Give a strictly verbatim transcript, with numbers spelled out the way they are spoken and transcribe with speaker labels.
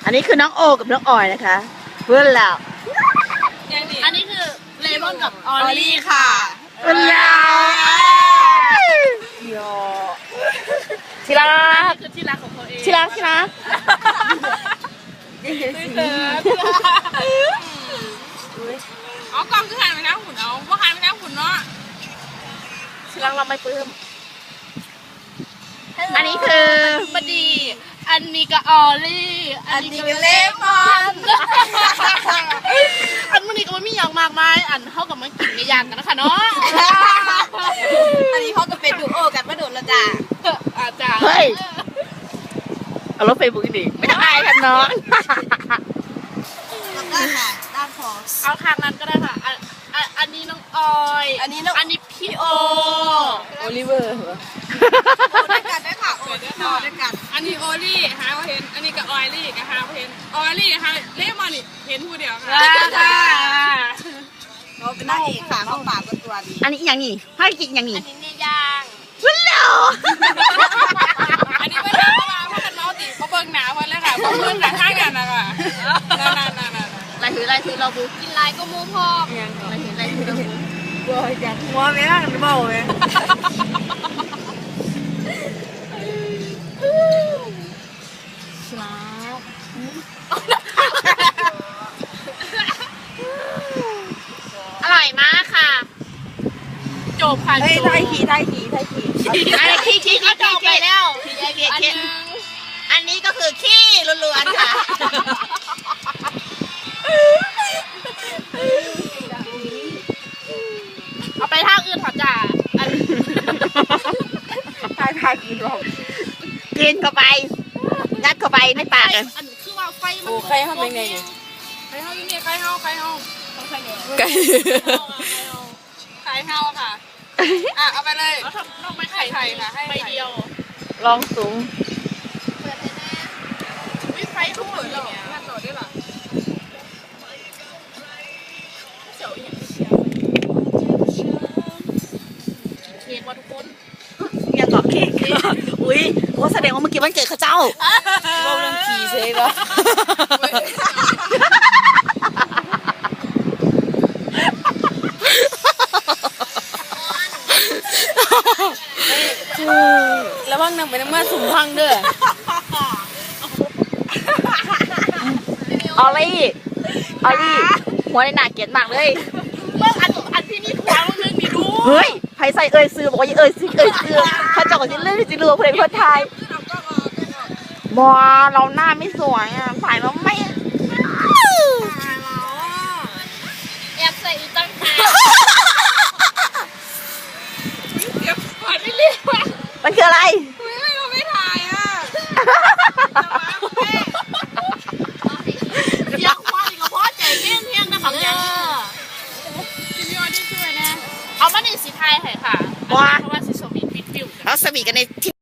Speaker 1: อันนี้คือน้องโอกับน้องออยนะคะเพื่อนเรา
Speaker 2: อันนี้คือเลมอนกับออลี่ค่ะ
Speaker 1: เพื่อนเราที่รัก
Speaker 2: คือที่รักของเขาเอง
Speaker 1: ที่รักที่รัก
Speaker 2: อ๋อกล้องคือหันไปทางหุ่นเอาว่าหันไปทางหุ่นเนาะ
Speaker 1: ที่รักเราไม่ปลื้มอันนี้คือ
Speaker 2: มาดี อันนี้ก็ออลี่ อันนี้ก็เลมอน อันมันนี้ก็ไม่มีอย่างมากมาย อันเท่ากับมันกินในยางกันนะคะเนาะ
Speaker 3: อันนี้เขาก็เป็นดูโอกันมาโดนละจ้า
Speaker 2: อาจารย์
Speaker 1: เฮ้ยเอารถเฟซบุ๊กดิไม่ต้องอายกันน้อง
Speaker 3: แล้วก็ค่ะด้านของ
Speaker 2: เอาทางนั้นก็ได้ค่ะ อันอันอันนี้น้องออย
Speaker 3: อันนี้น้อง
Speaker 2: อันนี้พี่โอ
Speaker 3: โอลิเวอร์โอด้วยกันด้วยค่ะโอด้วยกันด้วยกัน
Speaker 2: อันนี้โอลี่หาเห็น อันนี้ก็ออยลี่กับหาเห็น ออยลี่หาเลมอนนี่เห็นผู้เดียวค่ะ
Speaker 3: เราเป็นนางเอกค่ะเขาปากก็ตัวดี
Speaker 1: อันนี้อย่างนี้ให้กินอย่างนี้
Speaker 2: อันนี้เนี่ยย่าง
Speaker 1: เพื่อนเรา
Speaker 2: อันนี้ไม่ได้เพราะว่าเพราะมันเมาติเขาเบิ่งหนาเพิ่นเลยค่ะเพราะเพิ่นหนาข้างกันนะค่ะนั่นนั่นนั่นนั่น
Speaker 1: ลายถือลายถือเราบุก
Speaker 2: กินลายก็มูพอก
Speaker 1: ลายถือลายถือเราบุก
Speaker 3: บัวจากหัวไม่ร่างกันเบาเลย
Speaker 1: อร่อยมากค่ะ
Speaker 2: จบค่ะ
Speaker 3: เฮ้ย
Speaker 2: จบ
Speaker 3: ไทยขี่ไทยขี่ไทยขี่
Speaker 1: อันนี้ขี้ขี้ขี้
Speaker 2: จ
Speaker 1: ขี้
Speaker 2: บไปแล้ว
Speaker 1: ขี้ขี้
Speaker 2: อัน
Speaker 1: ขี้
Speaker 2: นึง
Speaker 1: อันนี้ก็คือขี้ล้วนๆค่ะ
Speaker 2: เอาไปทางอื่นเถอะจ้ะอัน
Speaker 3: ไทยไทยขี่รอบ
Speaker 1: กินเข้าไปยัดเข้าไปในปากเลย
Speaker 2: อันคือว่าไฟมัน
Speaker 3: โอ้ใครทำเป็นไงเนี่ย
Speaker 2: ใครเฮาอยู่นี่ใครเฮาใครเฮาต้องใครเนี่ย
Speaker 3: ไก่
Speaker 2: ใครเฮาค่ะอ่ะเอาไปเลยเอาทำต้องไปไข่ไข่ค่ะให้ใบเดียว
Speaker 1: ลองสูง
Speaker 2: วิไฟเขาเปิดแล้วน่าต่อได้หรอเค้กว่าทุกคน
Speaker 1: ยังเกาะเค้กอุ้ยโอ้แสดงว่าเมื่อกี้วันเกิดเขาเจ้า
Speaker 3: เราเรื่องขี่ใช่ปะแล้วว่างนั่งไปน้ำมันสุ่มพังเด้อ
Speaker 1: ออลลี่ออลลี่หัวในหนาเกลียดมากเลย
Speaker 2: เมื่ออันอันที่มีทัวร์มึงนึงนี่ดู
Speaker 1: เฮ้ยไผใส่เอ่ยซื้อบอกว่าอย่าเอ่ยซื้อเอ่ยซื้อถ้าเจาะจะเลื่อนจะรัวเพลงคนไทยบอเราหน้าไม่สวยอ่ะถ่ายเราไม่
Speaker 2: แอบใส่อีตั้งแต่เดี๋ยวก่อนไม่เรียกว่า
Speaker 1: มันคืออะไร
Speaker 2: ไม่เราไม่ถ่ายอ่ะเดี๋ยวควายกับพ่อใจเงี้ยเงี้ยนะของยังพี่พี่ออดี้ช่วยนะเอามาหนึ่งสีไทยให้ค่ะเพราะว่าสีสมีฟิตฟิว
Speaker 1: เราสวีกันในที่